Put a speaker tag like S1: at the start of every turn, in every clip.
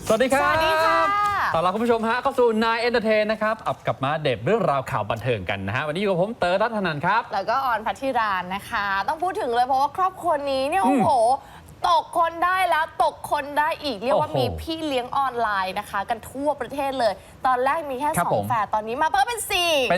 S1: สวัสดีครับ
S2: สวัสดีค่ะ
S1: ต้อนรับคุณผู้ชมฮะเข้าสู่นายเอนเตอร์เทนนะครับกลับมาเด็บเรื่องราวข่าวบันเทิงกันนะฮะวันนี้อยู่กับผมเต๋อรัตนันครับ
S2: แล้วก็ออนพัทธิรานนะคะ ต้องพูดถึงเลยเพราะว่าครอบครัวนี้เนี่ยโอ้โหตกคนได้แล้วตกคนได้อีกเรียกว่ามีพี่เลี้ยงออนไลน์นะคะ กันทั่วประเทศเลย ตอนแรกมีแค่2 แฝดตอนนี้มาเพิ่มเป็น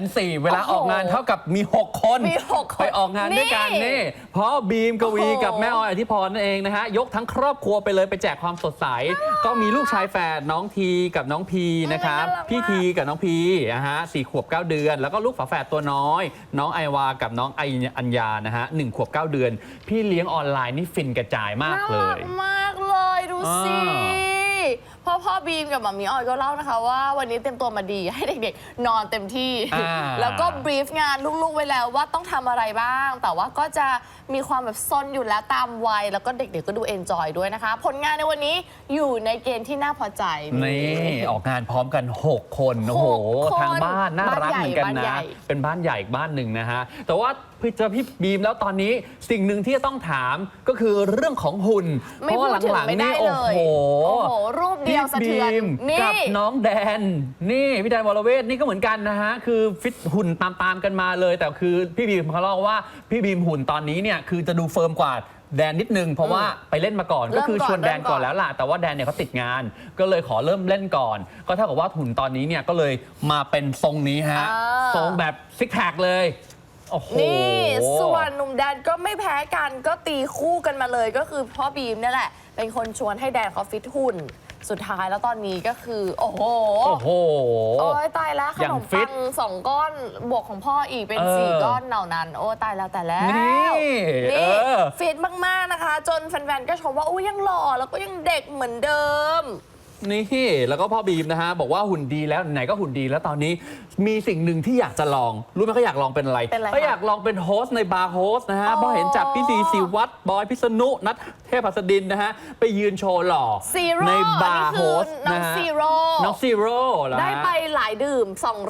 S2: 4
S1: เวลาออกงานเท่ากับมี6 คนไปออกงานด้วยกันนี่เพราะบีมกวีกับแม่ออยอธิพรนั่นเองนะฮะยกทั้งครอบครัวไปเลยไปแจกความสดใสก็มีลูกชายแฝดน้องทีกับน้องพีนะครับพี่ทีกับน้องพีนะฮะ4 ขวบ 9 เดือนแล้วก็ลูกฝาแฝดตัวน้อยน้องไอวากับน้องอัญญานะฮะ1 ขวบ 9 เดือนพี่เลี้ยงออนไลน์นี่ฟินกระจายมากเลย
S2: มากเลยดูสิพ่อบีมกับหม่ามีออยก็เล่านะคะว่าวันนี้เต็มตัวมาดีให้เด็กๆนอนเต็มที่แล้วก็บรีฟงานลูกๆไว้แล้วว่าต้องทำอะไรบ้างแต่ว่าก็จะมีความแบบซนอยู่แล้วตามวัยแล้วก็เด็กๆก็ดูเอนจอยด้วยนะคะผลงานในวันนี้อยู่ในเกณฑ์ที่น่าพอใจ
S1: นี่ออกงานพร้อมกัน6 คนโอ้โหทางบ้านน่ารักเหมือนกันนะเป็นบ้านใหญ่อีกบ้านหนึ่งนะฮะแต่ว่าเจอพี่บีมแล้วตอนนี้สิ่งหนึ่งที่จะต้องถามก็คือเรื่องของหุ่นเพราะว่าหลังๆนี่โอ้โห
S2: รูปเดียวสะเทือน
S1: กับน้องแดนนี่พี่แดนวรเวทนี่ก็เหมือนกันนะฮะคือฟิตหุ่นตามกันมาเลยแต่คือพี่บีมเขาเล่าว่าพี่บีมหุ่นตอนนี้เนี่ยคือจะดูเฟิร์มกว่าแดนนิดนึงเพราะว่าไปเล่นมาก่อนก็คือชวนแดนก่อนแล้วล่ะแต่ว่าแดนเนี่ยเขาติดงานก็เลยขอเริ่มเล่นก่อนก็เท่ากับว่าหุ่นตอนนี้เนี่ยก็เลยมาเป็นทรงนี้ฮะทรงแบบซิกแพคเลย
S2: นี่ส่วนหนุ่มแดนก็ไม่แพ้กันก็ตีคู่กันมาเลยก็คือพ่อบีมนี่แหละเป็นคนชวนให้แดนเขาฟิตหุ่นสุดท้ายแล้วตอนนี้ก็คือโอ้โหโอ้ยตายแล้วขนมปัง2 ก้อนบวกของพ่ออีกเป็น4 ก้อนเหล่านั้นโอ้ตายแล้วแต่แล้วนี่ฟิตมากๆนะคะจนแฟนๆก็ชมว่าโอ้ยังหล่อแล้วก็ยังเด็กเหมือนเดิม
S1: นี่แล้วก็พ่อบีมนะฮะบอกว่าหุ่นดีแล้วไหนก็หุ่นดีแล้วตอนนี้มีสิ่งหนึ่งที่อยากจะลองรู้ไหมเขาอยากลองเป็นอะไรเขาอยากลองเป็นโฮสต์ในบาร์โฮสต์นะฮะเพราะเห็นจากพี่ซีศิวัตรบอยพิษณุนัทเทพหัสดินนะฮะไปยืนโชว์หล่อในบาร์โฮสต์นะฮะน้องซีโร่
S2: ได้ไปหลายดื่ม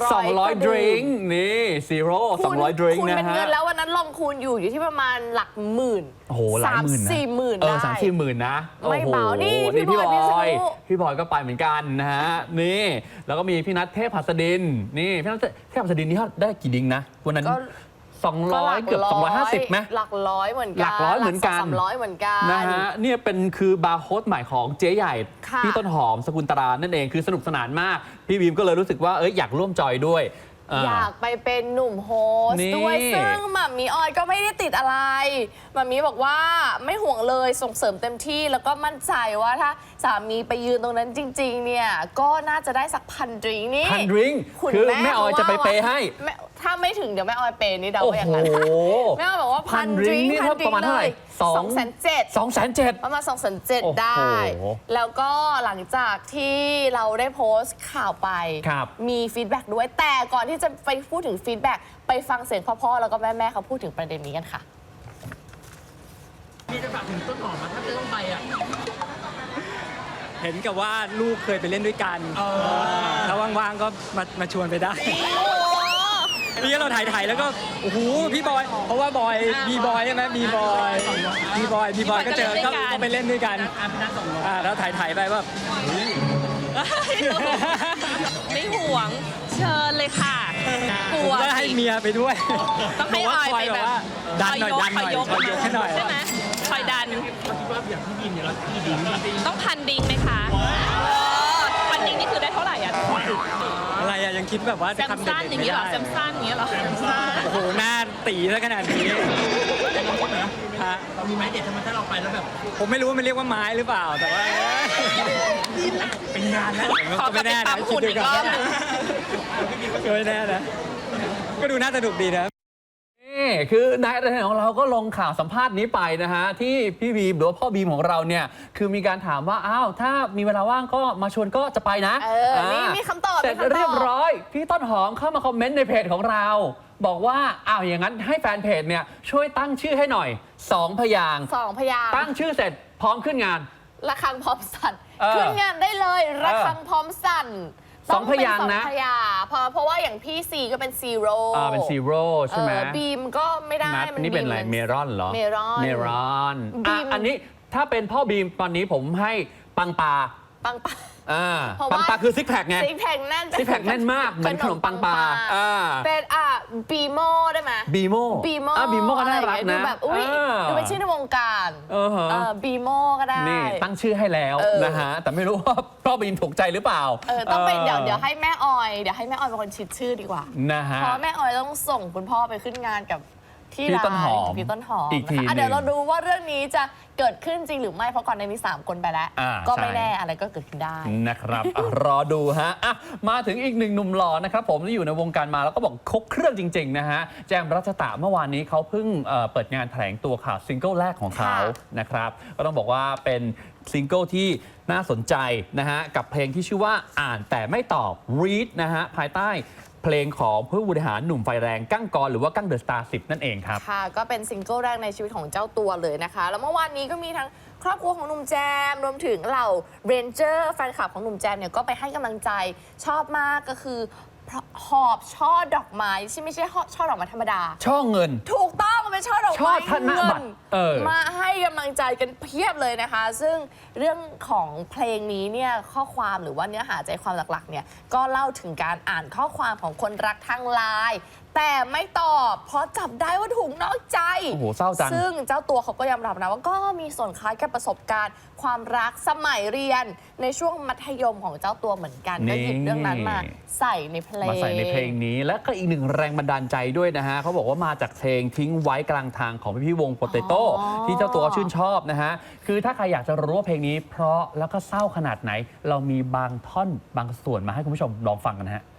S2: 200
S1: ดริงก์นี่ซีโร่200 ดริงก์นะฮะคูณ
S2: เป็นเงินแล้ววันนั้นลองคูณอยู่ที่ประมาณหลักหมื่น
S1: โอ้โหหลายหมื่นนะ
S2: 3-4 หมื่นได้
S1: 3-4 หมื่นนะ
S2: ไม่เบานี่พี่
S1: บอยก็ไปเหมือนกันนะฮะนี่แล้วก็มีพี่นัทเทพหัสดินนี่พี่นัทเทพหัสดินนี่ได้กี่ดิ้งนะวันนั้น200เกือบ250ไหม
S2: หลักร้อยเหมือนกัน
S1: หลักร้อยเหมือนกัน
S2: 300เหมือนกัน
S1: นะฮะเนี่ยเป็นคือบาร์โค้ดใหม่ของเจ๊ใหญ่พี่ต้นหอมสกุลตรานั่นเองคือสนุกสนานมากพี่บีมก็เลยรู้สึกว่าอยากร่วมจอยด้วย
S2: อยากไปเป็นหนุ่มโฮสต์ด้วยซึ่งหม่ามีออยก็ไม่ได้ติดอะไรหม่ามีบอกว่าไม่ห่วงเลยส่งเสริมเต็มที่แล้วก็มั่นใจว่าถ้าสามีไปยืนตรงนั้นจริงๆเนี่ยก็น่าจะได้สัก1,000 ดริงก์นี่
S1: 1,000 ดริงก์คือแม่ออยจะไปเปย์ให้
S2: ถ้าไม่ถึงเดี๋ยวแม่ออยเปย์นี่เดาอย่างนั้นแม่ออยบอกว่า1,000 ดริงก์
S1: ประมาณเท่าไหร่
S2: 270,000ประมาณ270,000ได้แล้วก็หลังจากที่เราได้โพสต์ข่าวไปมีฟีดแบ็กด้วยแต่ก่อนที่จะไปพูดถึงฟีดแบ็กไปฟังเสียงพ่อๆแล้วก็แม่เขาพูดถึงประเด็นนี้กันค่ะ
S3: มีจะฝากถึงต้นหอมถ้าจะต้องไปอ่ะเห็นกับว่าลูกเคยไปเล่นด้วยกันถ้าว่างๆก็มาชวนไปได้นี่เราถ่ายแล้วก็โอ้โหพี่บอยเพราะว่าบอยบีบอยใช่ไหมบีบอยก็เจอก็ไปเล่นด้วยกันแล้วถ่ายไปว่า
S4: ไม่ห่วงเชิญเลยค่ะกลัว
S3: ก็ให้เมียไปด้วย
S4: ต้องให้ออยไปแบบ
S3: ดันหน่อยให้หน่อย
S4: ใช่ไหมคอยดัน
S3: อย่างพี่บินเนี่ยเรากี่ดิ้ง
S4: ต้อง1,000 ดิ้งไหมคะ1,000 ดิ้งนี่คือได้เท่าไหร่อ่ะ
S3: อะไรอะยังคิดแบบว่า
S4: แซมสั้นอย่างนี้เหรอแซมสั้นอย่างนี้เหรอ
S3: โอ้โหหน้าตีซะขนาดนี้
S5: เรามีไม้เด็ดทำไมถ้าเราไปแล้วแบบ
S3: ผมไม่รู้ว่ามันเรียกว่าไม้หรือเปล่าแต่ว่า
S5: เป็นงานนะ
S4: ก็ไม่แน่นะคิดดูก่อน
S3: ก็ไม่แน่นะก็ดูน่าสนุกดีนะ
S1: นี่คือนายของเราก็ลงข่าวสัมภาษณ์นี้ไปนะฮะที่พี่บีมหรือว่าพ่อบีมของเราเนี่ยคือมีการถามว่าอ้าวถ้ามีเวลาว่างก็มาชวนก็จะไปนะ
S2: นี่มีคำตอบ
S1: เสร็จเรียบร้อยพี่ต้นหอมเข้ามาคอมเมนต์ในเพจของเราบอกว่าอ้าวอย่างนั้นให้แฟนเพจเนี่ยช่วยตั้งชื่อให้หน่อย2 พยางค์ตั้งชื่อเสร็จพร้อมขึ้นงาน
S2: ระฆังพร้อมสั่นขึ้นงานได้เลยระฆังพร้อมสั่น
S1: 2 พยางค์นะ
S2: เพราะว่าอย่างพี่ซีก็เป็นซีโร่
S1: เป็นซีโร่ใช่ไหม
S2: บีมก็ไม่ได้
S1: มันนี่เป็นอะไรเมรอนเหรอ
S2: เมรอน
S1: อันนี้ถ้าเป็นพ่อบีมตอนนี้ผมให้ปังปา
S2: ปังปลา เพราะ
S1: ปั
S2: ว่า
S1: งปลาคือซิกแพคไง
S2: ซิกแพคแน่น
S1: ซิกแพคแน่นมากเหมือนขนมปังปลา
S2: เป็นบีโมได้ไหม
S1: บีโม
S2: บีโม
S1: บีโมก็น่ารัก
S2: ดู
S1: นะ
S2: แบบอุ้ยดูเป็นชื่อในวงการ บีโมก็ได้
S1: นี่ตั้งชื่อให้แล้วนะฮะแต่ไม่รู้ว่าพ่อบีมถูกใจหรือเปล่า
S2: ต้องเป็นเดี๋ยวให้แม่ออยเป็นคนคิดชื่อดีกว่า
S1: นะฮะ
S2: เพราะแม่ออยต้องส่งคุณพ่อไปขึ้นงานกับที่
S1: พี่
S2: ร้าน
S1: ต้นหอม
S2: พี่ต้นหอม
S1: อีกที
S2: นะคะเดี๋ยวเราดูว่าเรื่องนี้จะเกิดขึ้นจริงหรือไม่เพราะก่อนในนี้3 คนไปแล้ว ก็ไม่
S1: ใช่
S2: แน่อะไรก็เกิดขึ้นได้
S1: นะครับ รอดูฮะมาถึงอีกหนึ่งหนุ่มหล่อนะครับผมที่อยู่ในวงการมาแล้วก็บอกครบเครื่องจริงๆนะฮะแจมรัชตะเมื่อวานนี้เขาเพิ่งเปิดงานแถลงตัวข่าวซิงเกิลแรกของเขา
S2: ค่ะ
S1: นะครับก็ต้องบอกว่าเป็นซิงเกิลที่น่าสนใจนะฮะกับเพลงที่ชื่อว่าอ่านแต่ไม่ตอบ read นะฮะภายใต้เพลงของผู้บริหารหนุ่มไฟแรงกั้งกรหรือว่ากั้งเดอะสตาร์10นั่นเองครับ
S2: ค่ะก็เป็นซิงเกิลแรกในชีวิตของเจ้าตัวเลยนะคะ แล้วเมื่อวานนี้ก็มีทั้งครอบครัวของหนุ่มแจมรวมถึงเหล่าเรนเจอร์แฟนคลับของหนุ่มแจมเนี่ยก็ไปให้กำลังใจชอบมากก็คือหอบช่อดอกไม้ที่ไม่ใช่ช่อดอกไม้ธรรมดา
S1: ช่อเงิน
S2: ถูกต้องมันเป็นช่อดอก
S1: ช่อ
S2: ไม้
S1: ธนบัตร
S2: มาให้กำลังใจกันเพียบเลยนะคะ ซึ่งเรื่องของเพลงนี้เนี่ยข้อความหรือว่าเนื้อหาใจความหลักๆเนี่ยก็เล่าถึงการอ่านข้อความของคนรักทางไลน์แต่ไม่ตอบเพราะจับได้ว่าถูกนอกใจ
S1: โอ้โหเศร้าจัง
S2: ซึ่งเจ้าตัวเขาก็ยอมรับนะว่าก็มีส่วนคล้ายกับประสบการณ์ ความรักสมัยเรียนในช่วงมัธยมของเจ้าตัวเหมือนกันก็หยิบเรื่องนั้นมาใส่ในเพลง
S1: มาใส่ในเพลงนี้และก็อีกหนึ่งแรงบันดาลใจด้วยนะฮะเขาบอกว่ามาจากเพลงทิ้งไว้กลางทางของพี่วงโปเตโต้ที่เจ้าตัวชื่นชอบนะฮะคือถ้าใครอยากจะรู้ว่าเพลงนี้เพราะแล้วก็เศร้าขนาดไหน เรามีบางท่อนบางส่วนมาให้คุณผู้ชมลองฟังกันนะฮะ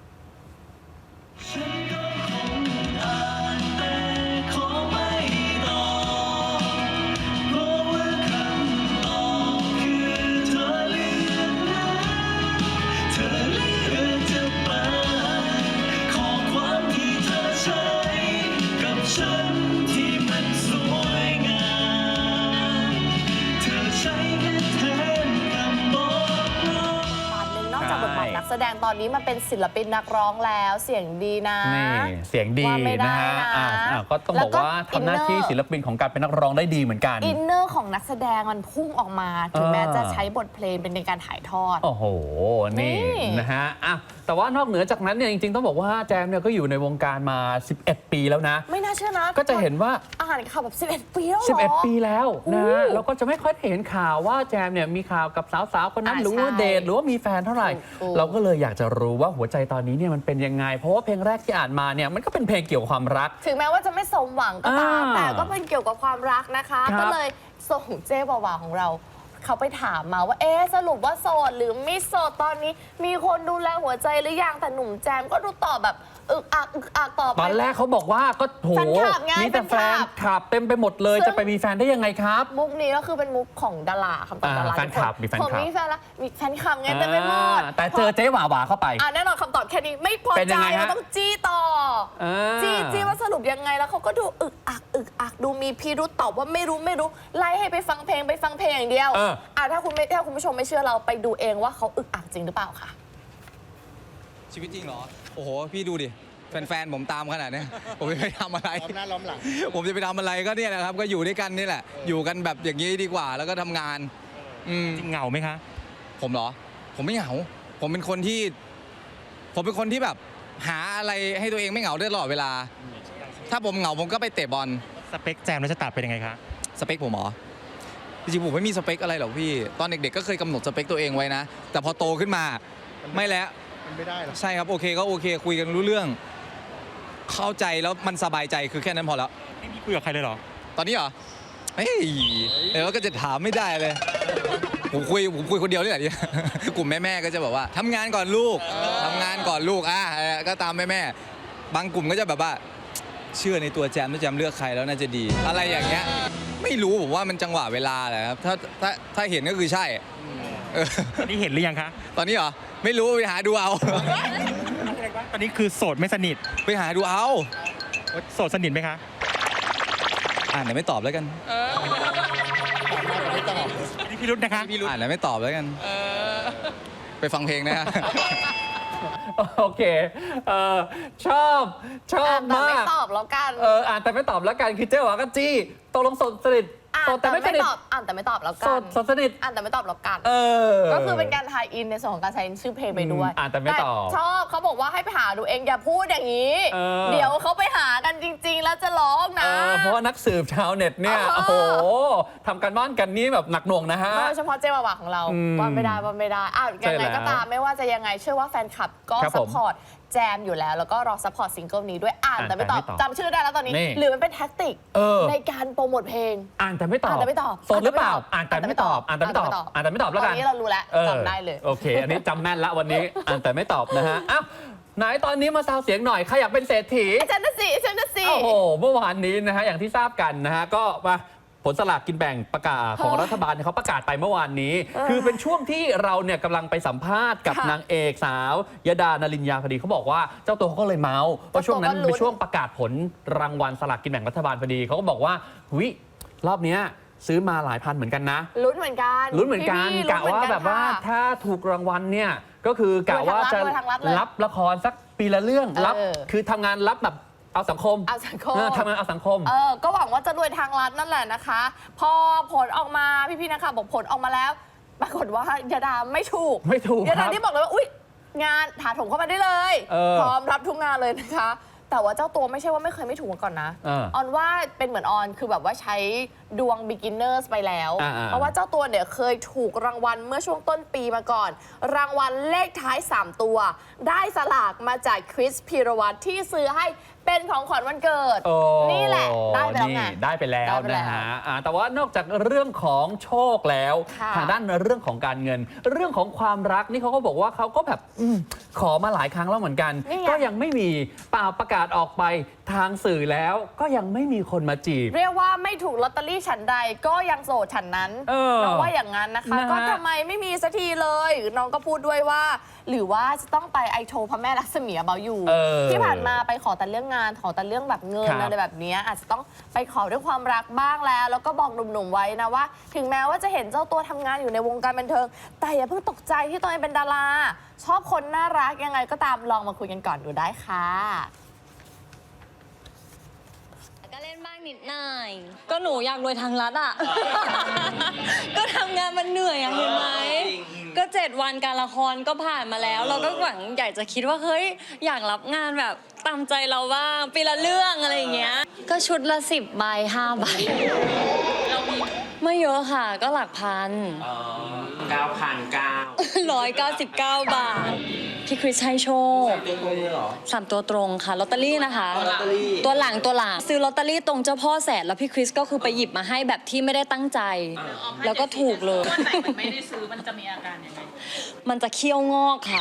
S5: ฉันที่มันสวยงามเธอใช้แค่แทนคำบอกเรา
S2: นอกจากบทบาทนักแสดงตอนนี้มาเป็นศิลปินนักร้องแล้วเสียงดีนะ
S1: นี่เสียงดี
S2: ว่าไม่ได้
S1: นะฮะ
S2: นะ
S1: ก็ต้องบอกว่าทำหน้าที่ศิลปินของการเป็นนักร้องได้ดีเหมือนกัน
S2: อินเนอร์ของนักแสดงมันพุ่งออกมา ถึงแม้จะใช้บทเพลงเป็นในการถ่ายทอด
S1: โอ้โห นี่
S2: นี่
S1: นะฮะแต่ว่านอกเหนือจากนั้นเนี่ยจริงๆต้องบอกว่าแจมเนี่ยก็อยู่ในวงการมา 11 ปีแล้วนะ
S2: ไม่น่าเชื่อนะ
S1: ก็จะเห็นว่า
S2: อ่านข่าวแบบ 11 ปีแล้วเหรอ
S1: 11 ปีแล้วนะฮะ
S2: โอ้
S1: เราก็จะไม่ค่อยเห็นข่าวว่าแจมเนี่ยมีข่าวกับสาวๆคนนั้นหรือว่า
S2: ใช่
S1: เดทหรือว่ามีแฟนเท่าไหร่
S2: ถูก
S1: เราก็เลยอยากจะรู้ว่าหัวใจตอนนี้เนี่ยมันเป็นยังไง เพราะว่าเพลงแรกที่อ่านมาเนี่ยมันก็เป็นเพลงเกี่ยวกับความรัก
S2: ถึงแม้ว่าจะไม่สมหวังก็ตาม
S1: อ่า
S2: แต่ก็เป็นเกี่ยวกับความรักนะคะ
S1: ครับ
S2: ก็เลยส่งเจ๊วาวาของเรา เขาไปถามมาว่าสรุปว่าโสดหรือไม่โสดตอนนี้ มีคนดูแลหัวใจหรือยังแต่หนุ่มแจมก็ดูตอบแบบอึกอักตอบ
S1: ตอนแรกเขาบอกว่าก็โห
S2: แฟนคลับไง
S1: มีแต่แฟนคลับเต็มไปหมดเลย
S2: ซึ่ง
S1: จะไปมีแฟนได้ยังไงครับ
S2: มุกนี้ก็คือเป็นมุกของดาราคำตอบดารา
S1: แฟนคลับมีแฟนคลับ
S2: ผมมีแฟนละมีแฟนคลับไงเต็มไปหมด
S1: แต่เจอเจ๊หวาหวาเข้าไป
S2: แน่นอนคำตอบแค่นี้ไม่พอ
S1: เป็นยั
S2: ใจ
S1: งไงฮะ
S2: เราต้องจี้ต่อ จี้ว่าสรุปยังไงแล้วเขาก็ดูอึกอักดูมีพิรุษตอบว่าไม่รู้ไล่ให้ไปฟังเพลงอย่างเดียวถ้าคุณผู้ชมไม่เชื่อเราไปดูเองว่าเขาอึกอักจริงหรือเปล่าค่ะ
S6: ชีวิตจริงเหรอ โอ้โห พี่ดูดิ แฟนๆผมตามขนาดเนี้ยผมจะไปทำอะไร
S7: ล้อมหน้าล้อมหลัง
S6: ผมจะไปทำอะไรก็เนี่ยแหละครับ ก็อยู่ด้วยกันนี่แหละ อยู่กันแบบอย่างนี้ดีกว่า แล้วก็ทำงาน
S3: จริงเหงาไหมคะ
S6: ผมเหรอ ผมไม่เหงา ผมเป็นคนที่แบบหาอะไรให้ตัวเองไม่เหงาได้ตลอดเวลา ถ้าผมเหงาผมก็ไปเตะบอล
S3: สเปคแจมรัชตะเป็นยังไงคะ
S6: สเปคผมเหรอ จริงๆผมไม่มีสเปคอะไรหรอกพี่ ตอนเด็กๆก็เคยกำหนดสเปคตัวเองไว้นะ แต่พอโตขึ้นมาไม่แล้ว
S7: มันไม่ได้หรอก
S6: ใช่ครับ โอเคก็โอเค คุยกันรู้เรื่อง เข้าใจแล้วมันสบายใจคือแค่นั้นพอแล้ว
S3: ไม่มีคุยกับใครเลยเหรอ
S6: ตอนนี้เหรอเฮ้ยเดี๋ยวก็จะถามไม่ได้เลย ผมคุยคนเดียวนี่แหละ กลุ่มแม่ๆก็จะบอกว่าทำงานก่อนลูกทำงานก่อนลูกก็ตามแม่ๆบางกลุ่มก็จะแบบว่า เชื่อในตัวแจมถ้าแจมเลือกใครแล้วน่าจะดี อะไรอย่างเงี้ยไม่รู้ผมว่ามันจังหวะเวลาแหละครับถ้าเห็นก็คือใช่เออ
S3: ตอนนี้เห็นหรือยังคะ
S6: ตอนนี้เหรอไม่รู้ไปหาดูเอา
S3: ตอนนี้คือโสดไม่สนิท
S6: ไปหาดูเอา
S3: โสดสนิทไหมคะ
S6: เดี๋ยวไม่ตอบแล้วกัน
S3: นี่พี่รุธนะคะ
S6: เดี๋ยวไม่ตอบแล้วกันไปฟังเพลงนะฮะ
S1: โอเคชอบ
S2: แต่ไม่
S1: มาก
S2: ตอบแล้วกัน
S1: อ่านแต่ไม่ตอบแล้วกันคือเจ๊หวาก็จี้ตกลงโสดสนิท
S2: อ่าน
S1: โสดแต่ไม่สนิท
S2: ตอบอ่านแต่ไม่ตอบแล้ว
S1: โส
S2: กัน
S1: ดสนิท
S2: อ่านแต่ไม่ตอบแล้วกัน
S1: เออ
S2: ก็คือเป็นการทายอินในส่วนของการใช้ชื่อเพลงไปด้วย
S1: อ่านแต่ไม่ตอบ
S2: ชอบเขาบอกว่าให้ไปหาดูเองอย่าพูดอย่างนี้
S1: เออ
S2: เดี๋ยวเขาไปหากันจริง ๆ แล้วจะร้องนะ
S1: เพราะว่านักสืบชาวเน็ตเนี่ย
S2: เออ
S1: โอ้โหทำการบ้านกันนี่แบบหนักหน่วงนะฮะ
S2: โดยเฉพาะเจมาวาของเรา
S1: อืม
S2: ว่าไม่ได้ว่าไม่ได้ยังไงก็ตามไม่ว่าจะยังไงเชื่อว่าแฟนคลับก็
S1: ครับ
S2: ซั
S1: ผ
S2: พ
S1: ม
S2: พอร์ตแจมอยู่แล้ว แล้วก็รอซัพพอร์ตซิงเกิลนี้ด้วยอ่านแต่ไม่ตอบ
S1: อ่านแต่ไม่ตอบ
S2: จำชื่อได้แล้วตอนนี้
S1: นี่
S2: หรือมันเป็นแท็กติก
S1: เออ
S2: ในการโปรโมทเพลง
S1: อ่านแต่ไม่ตอบ
S2: อ่านแต่ไม่ตอบ
S1: โสดหรือเปล่า
S2: อ่า
S1: อ่าน น
S2: แต่
S1: แต่
S2: ไม่
S1: ไม่
S2: ต
S1: ต
S2: อ
S1: อบ บ อ่านแต่ไม่ตอบ อ่านแต่ไม่ตอบแล้วกัน
S2: ตอนนี้เรารู้แล้ว
S1: ออ
S2: จำได้เลย
S1: โอเค อันนี้จำแม่นละวันนี้ อ่านแต่ไม่ตอบนะฮะอ้าวไหนตอนนี้มาซาวเสียงหน่อยใครอยากเป็นเศรษฐี
S2: ฉันน่ะสิ
S1: โอ้โห เมื่อวานนี้นะฮะ อย่างที่ทราบกันนะฮะ ก็มาผลสลากกินแบ่งประกาศของรัฐบาลเนี่ยเขาประกาศไปเมื่อวานนี้ คือเป็นช่วงที่เราเนี่ยกำลังไปสัมภาษณ์กับ
S2: ค่ะ
S1: นางเอกสาวยดานลินยาพอดีเขาบอกว่าเจ้าตัวเขาก็เลยเมาส์ว่าช่วงนั้น
S2: เจ้าตัวก็ลุ้น
S1: เป็นช่วงประกาศผลรางวัลสลากกินแบ่งรัฐบาลพอดีเขาก็บอกว่าวิรอบเนี้ยซื้อมาหลายพันเหมือนกันนะ
S2: ลุ้นเหมือนกัน
S1: ลุ้นเหมือนกัน
S2: พี่ๆ
S1: กะว่า
S2: ลุ้นเหมือนน
S1: แบบว่า
S2: ค่ะ
S1: ถ้าถูกรางวัลเนี่ยก็คือกะว่าจะ
S2: รวยทางรัฐเลย
S1: รับละครสักปีละเรื่องรับ
S2: เออ
S1: คือทำงานรับแบบเอาสังคม
S2: เอาสังคม
S1: ทำงานเอาสังคม
S2: ก็หวังว่าจะรวยทางรัฐนั่นแหละนะคะ พอผลออกมาพี่ๆนะคะบอกผลออกมาแล้ว ปรากฏว่ายาดาไม่ถูก
S1: ไม่ถูก
S2: ยา
S1: ค
S2: ดา
S1: รับ
S2: ที่บอกเลยว่าอุ๊ยงานถาโถมเข้ามาได้เลย พร้อมรับทุกงานเลยนะคะ แต่ว่าเจ้าตัวไม่ใช่ว่าไม่เคยไม่ถูกมาก่อนนะ
S1: เออ
S2: ออนว่าเป็นเหมือนออนคือแบบว่าใช้ดวง beginners ไปแล้ว
S1: อ่าๆ
S2: เพราะว่าเจ้าตัวเนี่ยเคยถูกรางวัลเมื่อช่วงต้นปีมาก่อน รางวัลเลขท้าย 3 ตัว ได้สลากมาจากคริสพีรวัตรที่ซื้อให้เป็นของขวัญวันเกิด
S1: โอ้
S2: นี่แหละได้ไปแล้วไง
S1: นี่ได้ไปแล้ว
S2: ได้ไปแล้ว
S1: นะฮะแต่ว่านอกจากเรื่องของโชคแล้ว
S2: ค่ะ
S1: ทางด้านเรื่องของการเงิน เรื่องของความรักนี่เขาก็บอกว่าเขาก็แบบขอมาหลายครั้งแล้วเหมือนกัน
S2: นี่ไง
S1: ก็ยังไม่มีเปล่าประกาศออกไปทางสื่อแล้วก็ยังไม่มีคนมาจีบ
S2: เรียกว่าไม่ถูกลอตเตอรี่ฉันใดก็ยังโสดฉันนั้น
S1: เออ
S2: น้องว่าอย่างนั้นนะคะ
S1: นะฮะ
S2: ก็ทำไมไม่มีสักทีเลย น้องก็พูดด้วยว่า หรือว่าจะต้องไปไอโชว์พระแม่ลักษมีเบาอยู่
S1: เออ
S2: ที่ผ่านมาไปขอแต่เรื่องงานขอแต่เรื่องแบบเงิน
S1: ครับ
S2: อะไรแบบเนี้ยอาจจะต้องไปขอด้วยความรักบ้างแล้ว แล้วก็บอกหนุ่มๆไว้นะว่า ถึงแม้ว่าจะเห็นเจ้าตัวทำงานอยู่ในวงการบันเทิง แต่อย่าเพิ่งตกใจที่ตัวเองเป็นดารา ชอบคนน่ารักยังไงก็ตามลองมาคุยกันก่อนดูได้ค่ะ
S7: ก็เล่นบ้างนิดหน่อย ก็หนูอยากรวยทางรัฐอ่ะ ก็ทำงานมันเหนื่อยอะเห็นไหม ก็7 วันการละครก็ผ่านมาแล้ว เราก็หวังอยากจะคิดว่าเฮ้ยอยากรับงานแบบตามใจเราบ้างปีละเรื่องอะไรอย่างเงี้ย ก็ชุดละ10 ใบ 5 ใบ ไม่เยอะค่ะ ก็หลักพัน 199 บาท พี่คริสให้โชค3 ตัวตรงค่ะลอตเตอรี่นะคะ ตัวหลังซื้อลอตเตอรี่ตรงเจ้าพ่อแสนแล้วพี่คริสก็คือไปหยิบมาให้แบบที่ไม่ได้ตั้งใจ แล้วก็ถูกเลย
S4: วันไหนมันไม่ได้ซื้อมันจะมีอาการยังไง
S7: มันจะเคี้ยวงอกค่ะ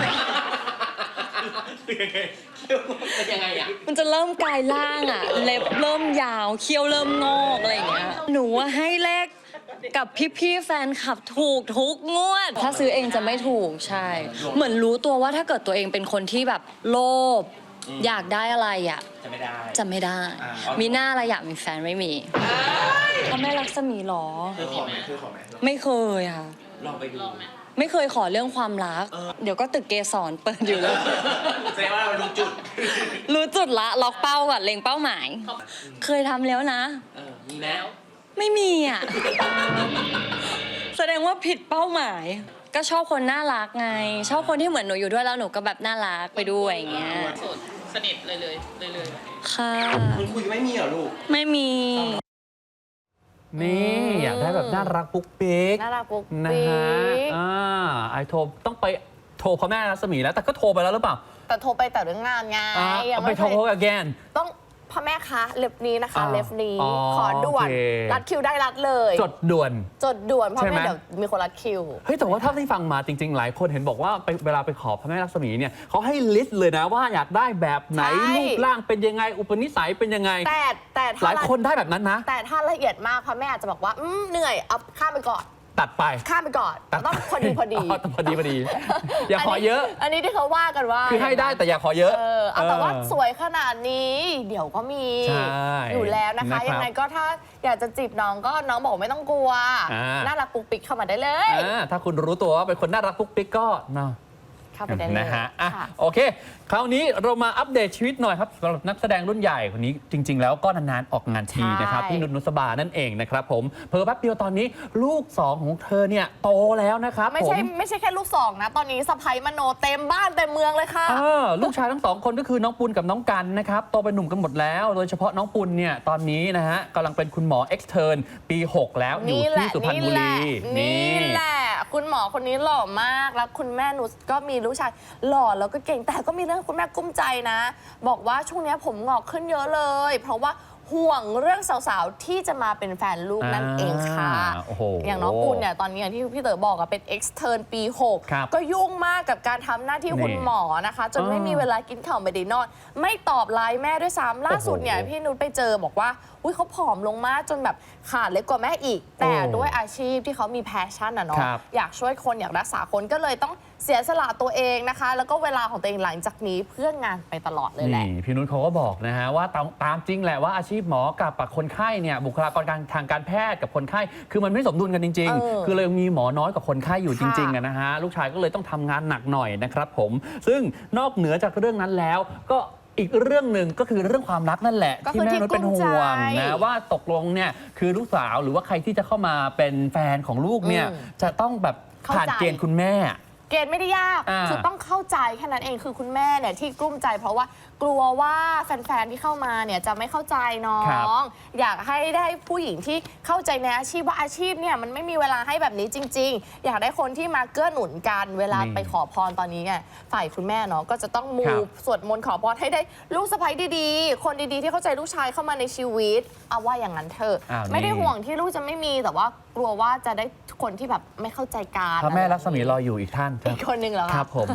S7: มันจะเริ่มกลายร่างอ่ะ เล็บเริ่มยาว เคี้ยวเริ่มงอกอะไรอย่างเงี้ย หนูว่าให้เลขกับพี่ๆแฟนคลับถูกทุกงวด ถ้าซื้อเองจะไม่ถูกใช่ เหมือนรู้ตัวว่าถ้าเกิดตัวเองเป็นคนที่แบบโลภอยากได้อะไรอ่ะ จะไม่ได้ มีหน้าอะไรอยากมีแฟนไม่มีพระแม่ลักษมีหรอ ไม่เคยค่ะ ไม่เคยขอเรื่องความรัก เดี๋ยวก็ตึกเกสรเปิดอยู่แล้วแสดงว่าเรารู้จุด รู้จุดละล็อกเป้าก่อนเล็งเป้าหมาย เคยทำแล้วนะมีแล้ว ไม่มีอ่ะ แสดงว่าผิดเป้าหมาย ก็ชอบคนน่ารักไง ชอบคนที่เหมือนหนูอยู่ด้วยแล้วหนูก็แบบน่ารักไปด้วยอย่างเงี้ย
S4: โสดสนิทเลย
S7: ค่ะ
S8: คุณคุยไม่มีเหรอลูก
S7: ไม่มี
S1: นี่อยากได้แบบน่ารักปุ๊กปิ๊ก
S2: น่ารักปุ๊ก
S1: นะ
S2: ปิ๊
S1: ฮะ
S2: ก
S1: ไอโทรต้องไปโทรพระแม่รัศมีแล้วแต่ก็โทรไปแล้วหรือเปล่า
S2: แต่โทรไปแต่เรื่องงานไง
S1: เอาไปโทร again
S2: ต้องพระแม่คะเล็บนี้นะคะ เล็บนี้
S1: อ๋อ
S2: ขอด่วน
S1: โอเค
S2: รัดคิวได้รัดเลย
S1: จดด่วน
S2: จดด่วนเพราะ
S1: ใช่ไหม
S2: ไม่เดี๋ยวมีคนรัดคิว
S1: เฮ้ยแต่ว่าถ้าที่ฟังมาจริง ๆ หลายคนเห็นบอกว่าเวลาไปขอพระแม่ลักษมีเนี่ยเขาให้ลิสต์เลยนะว่าอยากได้แบบไหน
S2: ใช่
S1: รูปร่างเป็นยังไง อุปนิสัยเป็นยังไง
S2: แต่
S1: ห
S2: ถ้า
S1: ลายคนได้แบบนั้นนะ
S2: แต่ถ้าละเอียดมากพระแม่อาจจะบอกว่าเหนื่อยเอาข้ามไปก่อน
S1: ตัดไป
S2: ข้ามไปก่อนต้องพอดีพอดี
S1: ต้องพอดี อย่าขอเยอะ
S2: อันนี้ที่เขาว่ากันว่า
S1: คือให้ได้แต่อย่าขอเยอะ
S2: เอาแต่ว่าสวยขนาดนี้ เดี๋ยวก็มี
S1: ใช่
S2: อยู่แล้วนะคะ
S1: นะครับ
S2: ยังไงก็ถ้าอยากจะจีบน้องก็น้องบอกไม่ต้องกลัว
S1: อ่า
S2: น่ารักปุ๊กปิ๊กเข้ามาได้เลย
S1: ถ้าคุณรู้ตัวว่าเป็นคนน่ารักปุ๊กปิ๊กก็เนาะ
S2: เข้าไปได้เลย
S1: นะฮะอ่ะ
S2: ค่ะ
S1: โอเค คราวนี้เรามาอัปเดตชีวิตหน่อยครับสำหรับนักแสดงรุ่นใหญ่คนนี้จริง ๆ แล้วก็นานๆออกงานทีนะครับ
S2: ใช่
S1: พี่นุชนุสบานั่นเองนะครับผมเพอแป๊บเดียวตอนนี้ลูกสองของเธอเนี่ยโตแล้วนะครับ
S2: ไม่
S1: ผ
S2: ใช่
S1: ม
S2: ไม่ใช่แค่ลูกสองนะ ตอนนี้สะใภ้มโนเต็มบ้านเต็มเมืองเลยค่ะ
S1: ลูกชายทั้งสองคนก็คือน้องปุณกับน้องกันนะครับโตเป็นหนุ่มกันหมดแล้ว โดยเฉพาะน้องปุณเนี่ยตอนนี้นะฮะกำลังเป็นคุณหมอเอ็กซ์เทิร์นปี 6 แล้วอยู่ที่สุพรรณบุรี
S2: นี่แหละ คุณหมอคนนี้หล่อมาก แล้วคุณแม่นุชก็มีลูกชายหล่อแล้วก็เก่ง แต่ก็มีเรื่องคุณแม่กุ้มใจนะ บอกว่าช่วงนี้ผมงอกขึ้นเยอะเลย เพราะว่าห่วงเรื่องสาวๆ ที่จะมาเป็นแฟนลูกนั่นเองค่ะ
S1: โอ้โห
S2: อย่างน้องปุณเนี่ยตอนนี้อย่างที่พี่เต๋อบอกเป็น extern ปี
S1: ครับ
S2: 6 ก็ยุ่งมากกับการทำหน้าที่คุณ
S1: นี่
S2: หมอนะคะ จนไม่มีเวลากินข้าวไม่ได้นอน ไม่ตอบไลน์แม่ด้วยซ้ำล่าสุดเนี่ย
S1: โอ้โห
S2: พี่นุชไปเจอบอกว่าอุ๊ยเขาผอมลงมากจนแบบขาดเล็กกว่าแม่อีก แต่ด้วยอาชีพที่เขามีแพชชั่นอะเนาะ
S1: ครับ
S2: อยากช่วยคนอยากรักษาคนก็เลยต้องเสียสละตัวเองนะคะ แล้วก็เวลาของตัวเองหลังจากนี้เพื่องานไปตลอดเลยแหละ
S1: นี่พี่นุชเขาก็บอกนะฮะว่าตามจริงแหละว่าอาชีพหมอกับคนไข้เนี่ยบุคลากรทางการแพทย์กับคนไข้คือมันไม่สมดุลกันจริง ๆ คือเลยมีหมอน้อยกว่าคนไข้อยู่จริงๆอะนะฮะลูกชายก็เลยต้องทำงานหนักหน่อยนะครับผมซึ่งนอกเหนือจากเรื่องนั้นแล้วก็อีกเรื่องหนึ่งก็คือเรื่องความรักนั่นแหละ
S2: ก็คือ
S1: ที่แม่นุชเป็นห่วง
S2: ที่กลุ้มใจ
S1: นะว่าตกลงเนี่ยคือลูกสาวหรือว่าใครที่จะเข้ามาเป็นแฟนของลูกเนี่ยจะต้องแบบผ่านเกณฑ์คุณแม่
S2: เกณฑ์ไม่ได้ยาก
S1: อ่า
S2: คือต้องเข้าใจแค่นั้นเองคือคุณแม่เนี่ยที่กลุ้มใจ เพราะว่ากลัวว่าแฟนๆที่เข้ามาเนี่ยจะไม่เข้าใจน้อ
S1: ครับ
S2: ง อยากให้ได้ผู้หญิงที่เข้าใจในอาชีพว่าอาชีพเนี่ยมันไม่มีเวลาให้แบบนี้จริง ๆ อยากได้คนที่มาเกื้อหนุนกันเวลาไปขอพรตอนนี้ไงฝ่ายคุณแม่เนาะก็จะต้องมู
S1: ครับ
S2: สวดมนต์ขอพรให้ได้ลูกสะใภ้ดีๆ คนดีๆที่เข้าใจลูกชายเข้ามาในชีวิตเอาว่าอย่างนั้นเถอะ
S1: อ้าวนี่
S2: ไม่ได้ห่วงที่ลูกจะไม่มีแต่ว่ากลัวว่าจะได้คนที่แบบไม่เข้าใจกัน
S1: พระแม่ลักษมีรออยู่อีกท่านค
S2: อี
S1: รับ
S2: กคนนึงเหรอ
S1: ค
S2: คะ
S1: รับผม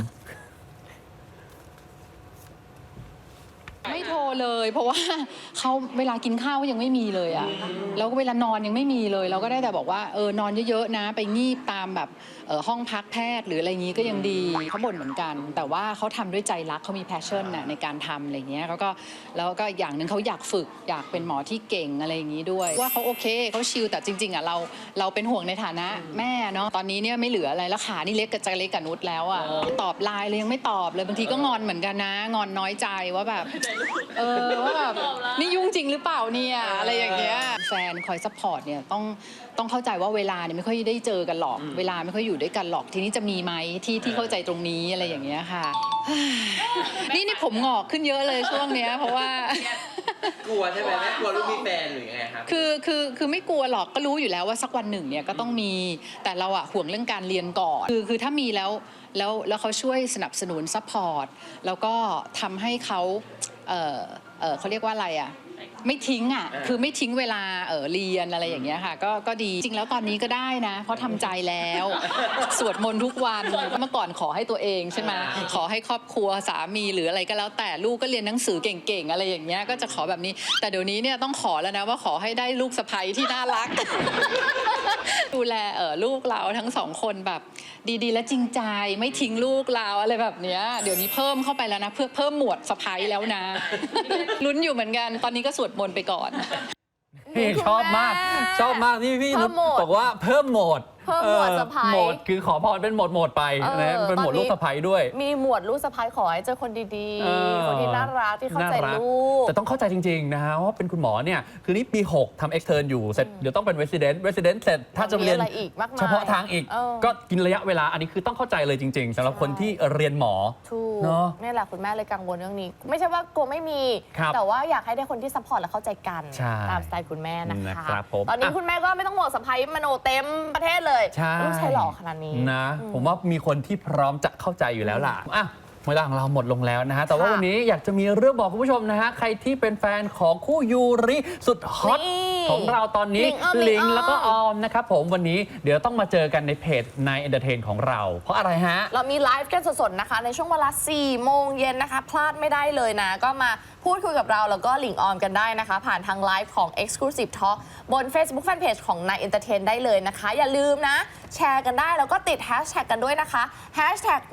S8: ไม่โทรเลยเพราะว่าเขาเวลากินข้าวก็ยังไม่มีเลยอะแล้วก็เวลานอนยังไม่มีเลย เราก็ได้แต่บอกว่านอนเยอะๆนะไปงีบตามแบบห้องพักแพทย์หรืออะไรอย่างนี้ก็ยังดีเขาบ่นเหมือนกัน แต่ว่าเขาทำด้วยใจรักเขามีแพชชั่นน่ะในการทำอะไรเงี้ยแล้วก็อย่างหนึ่งเขาอยากฝึกอยากเป็นหมอที่เก่งอะไรอย่างนี้ด้วยว่าเขาโอเคเขาชิลแต่จริงๆอะเราเป็นห่วงในฐานะแม่เนาะตอนนี้เนี่ยไม่เหลืออะไรแล้วขานี่เล็กกับจะเล็กกับนุชแล้วอะตอบไลน์เลยยังไม่ตอบเลยบางทีก็งอนเหมือนกันนะงอนน้อยใจว่าแบบ ว่าแบบนี่ยุ่งจริงหรือเปล่าเนี่ยอะไรอย่างเงี้ยแฟนคอยซัพพอร์ตเนี่ยต้องเข้าใจว่าเวลาเนี่ยไม่ค่อยได้เจอกันหรอกเวลาไม่ค่อยอยู่ด้วยกันหรอกทีนี้จะมีไหมที่เข้าใจตรงนี้อะไรอย่างเงี้ยค่ะ นี่ผมงอกขึ้นเยอะเลยช่วงเนี้ยเพราะว่า
S9: กลัวใช่ไหมแม่กลัวลูกมีแฟนหรือยังไงครับ
S8: คือไม่กลัวหรอกก็รู้อยู่แล้วว่าสักวันหนึ่งเนี่ยก็ต้องมีแต่เราอะห่วงเรื่องการเรียนก่อนคือถ้ามีแล้วเขาช่วยสนับสนุนซัพพอร์ตแล้วก็ทำให้เขาเขาเรียกว่าอะไรอะไม่ทิ้งอ่ะคือไม่ทิ้งเวลาเรียนอะไรอย่างเงี้ยค่ะก็ดีจริงแล้วตอนนี้ก็ได้นะเพราะทำใจแล้วสวดมนต์ทุกวันเมื่อก่อนขอให้ตัวเองใช่ไหมขอให้ครอบครัวสามีหรืออะไรก็แล้วแต่ลูกก็เรียนหนังสือเก่งๆอะไรอย่างเงี้ยก็จะขอแบบนี้แต่เดี๋ยวนี้เนี่ยต้องขอแล้วนะว่าขอให้ได้ลูกสะใภ้ที่น่ารัก ดูแลลูกเราทั้งสองคนแบบดีๆและจริงใจไม่ทิ้งลูกเราอะไรแบบเนี้ยเดี๋ยวนี้เพิ่มเข้าไปแล้วนะเพื่อเพิ่มหมวดสะใภ้แล้วนะ ลุ้นอยู่เหมือนกันตอนนี้ก็สวดมนต์ไปก่อน
S1: นี่ชอบมากนี่พี่นุชบอกว่าเพิ่มโหมด
S2: เพิ่มหมวดสะใภ้
S1: โหมดคือขอพรเป็นโหมดไปนะเป็นโหมด
S2: ตอนนี้
S1: ลูกสะใภ้ด้วย
S2: มีหมวดลูกสะใภ้ขอให้เจอคนดี
S1: เออ
S2: ๆ คนที่น่ารักที่เข้าใจ
S1: น่ารัก
S2: ลูก
S1: แต่ต้องเข้าใจจริงๆนะฮะว่าเป็นคุณหมอเนี่ยคือนี่ปี 6ทำ extern อยู่เสร็จเดี๋ยวต้องเป็น resident เสร็จถ้าจะเรียน
S2: มีอะไรอีกมากมาย
S1: เฉพาะทางอีก
S2: เออ
S1: ก็กินระยะเวลาอันนี้คือต้องเข้าใจเลยจริงๆสำหรับคนที่เรียนหมอ
S2: ถูก
S1: เนอะ
S2: นี่แหละคุณแม่เลยกังวลเรื่องนี้ ไม่ใช่ว่ากลัวไม่มี
S1: ครับ
S2: แต่ว่าอยากให้ได้คนที่ซัพพอร์ตและเข้าใจกัน
S1: ใช่
S2: ตามสไตล์คุณแม่นะคะ
S1: นะครับผม
S2: ตอนนี้
S1: อ่ะ
S2: คุณแม่ก็ไม่ต้องห่วงสะใภ้มโนเต็มประเทศเลย
S1: ใช่
S2: ลูกชายหล่อขนาดนี้
S1: นะผมว่ามีคนที่พร้อมจะเข้าใจอยู่แล้วล่ะอ่ะเวลาของเราหมดลงแล้วนะฮะแต่ว่า
S2: ค่ะ
S1: วันนี้อยากจะมีเรื่องบอกคุณผู้ชมนะฮะใครที่เป็นแฟนของคู่ยูริสุดฮอต
S2: นี่
S1: ของเราตอนนี้
S2: ลิงออม
S1: แล้วก็ออมนะครับผมวันนี้เดี๋ยวต้องมาเจอกันในเพจนายเอนเตอร์เทนของเรา เพราะอะไรฮะ
S2: เรามีไลฟ์กันสดๆนะคะ ในช่วงเวลา 4 โมงเย็นนะคะ พลาดไม่ได้เลยนะ ก็มาพูดคุยกับเราแล้วก็ลิงออมกันได้นะคะ ผ่านทางไลฟ์ของ Exclusive Talk บน Facebook Fanpage ของ Nine Entertain ได้เลยนะคะ อย่าลืมนะ แชร์กันได้แล้วก็ติด Hashtag กันด้วยนะคะ Hashtag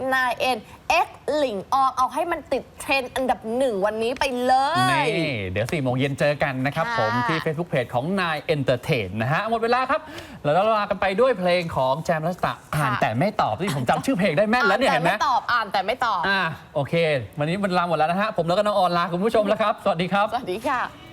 S2: 9NX ลิงออมเอาให้มันติดเทรนด์อันดับ 1 วันนี้ไปเลย
S1: นี่เดี๋ยว4 โมงเย็นเจอกันนะครับ
S2: ค่ะ
S1: ผมที่ Facebook Page ของนายเอนเตอร์เทนนะฮะหมดเวลาครับแล้วเราลากันไปด้วยเพลงของแจมรัสตะอ่านแต่ไม่ตอบที่ผมจำชื่อเพลงได้แม่นแล้วเนี่ยเห็นไหม
S2: อ่านแต่ไม่ตอบ
S1: โอเค วันนี้มันลาหมดแล้วนะฮะผมแล้วก็น้องออนลาคุณผู้ชมแล้วครับสวัสดีครับ
S2: สวัสดีค่ะ